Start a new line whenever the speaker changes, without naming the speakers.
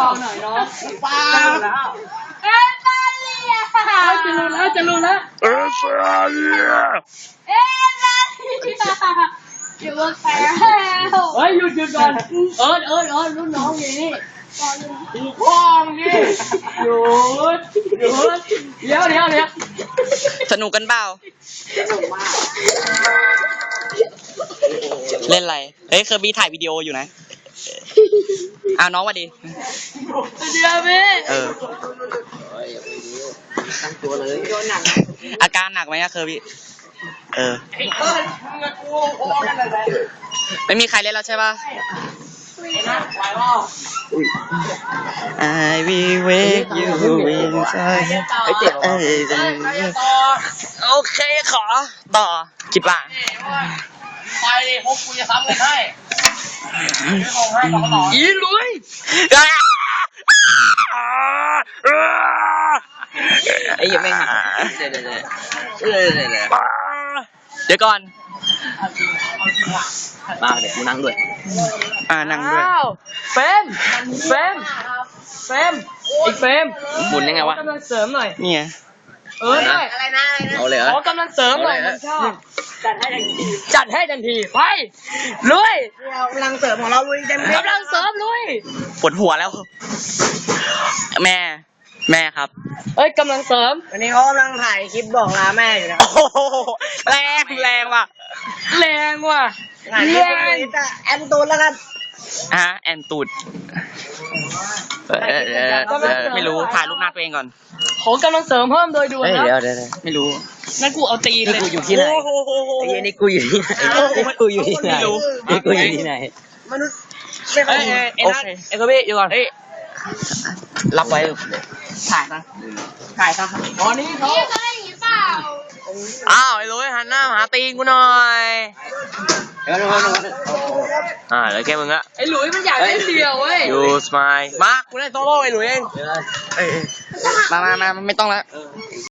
หน่อยเนาะ
ป้า
เอ้ยตาเลียจะรู้แล้วเอ้ยตาเลียอยู่บนแพแล้วเฮ้ยหยุดก่อนรุ่นน้องอย่างนี้ตีคล้องนี่หยุดเดี๋ยว
สนุกกันเปล่าเล่นอะไรเฮ้ยเคอร์บี้ถ่ายวิดีโออยู่นะน้องสวัสดี
เดี๋ยวพี่
ตั้งตัวเลยโดนหนัก
อาการหนักไหมอะเคอร์บี้ไม่มีใครเล่นแล้วใช่ป่ะ I will wake you inside โอเคขอต่อคิดว่า
ไปดิพวกกูจะทำกันให้
อีลุย
ไอ้ยังไม่หา
เดี๋ยวก่อน
มาเดี๋ยวกูนั่งด้วย
นั่งด้วย
เฟรมอีกเฟรม
หมุนยังไงวะ
กำลังเสริมหน่อย
เนี่ย
ได้อะไรนะ
เอาเลย
ขอกำลังเสริมหน่อยมันชอบจัดให้ทันทีไปลุย
กำลังเสริมของเราลุยเต็มที่
กำลังเสริมลุย
ปวดหัวแล้วแม่ครับ
เอ้ยกำลังเสริม
วันนี้เขากำลังถ่ายคลิปบอกลาแม่อยู่นะ
โอ้โหแรงว่ะ
แรง
แอนตูนแล้วกัน
แอนตูดไม่รู้ถ่ายรูปหน้าตัวเองก่อน
ขอกำลังเสริมเพิ่มโดยด่วนนะ
เดี๋ยว
ไม่รู้
นั่นกูเอาตีนเลย
กูอยู่ที่ไหนไอ้นี่กูอยู่ที่ไหนกูอยู่ที่ไหนกูอยู่ที่ไหนมนุษย์
โอเค
ไอ้กระบี่อยู่ก่อน
รับไว้ถ่ายซะ
ตอนนี้เขาได้ยินเปล่า
ไอ้ลุยหันหน้าหาตีนกูหน่อยแล้วแกมึงอะ
ไอ้หลุยมันอยากเล่นเดียวเว้ย
ยูสมายมากูได้โซโล่ไอ้หลุยเองมาไม่ต้องแล้ว